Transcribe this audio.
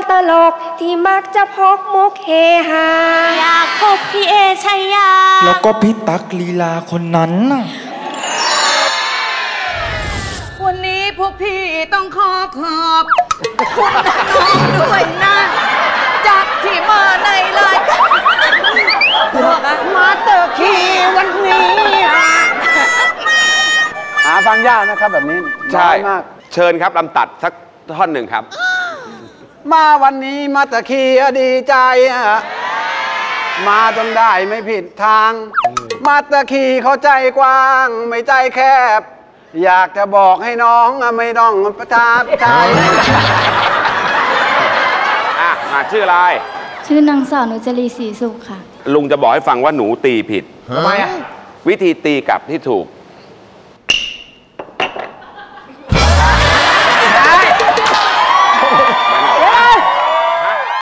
ตลกที่มักจะพกมุกเฮฮาอยากพบพี่เอชัยยาแล้วก็พี่ตั๊กลีลาคนนั้นน่ะวันนี้พวกพี่ต้องขอบคุณน้องด้วยนะจากที่มาในรายการมาเตอร์คีวันนี้หาฟังยากนะครับแบบนี้ใช่มากเชิญครับลำตัดสักท่อนหนึ่งครับมาวันนี้มาตะคีดีใจมาจนได้ไม่ผิดทางมาตะคีเขาใจกว้างไม่ใจแคบอยากจะบอกให้น้องไม่ต้องประทับใจมาชื่ออะไรชื่อนางสาวนุจรีศรีสุขค่ะลุงจะบอกให้ฟังว่าหนูตีผิดทำไมอ่ะวิธีตีกลับที่ถูก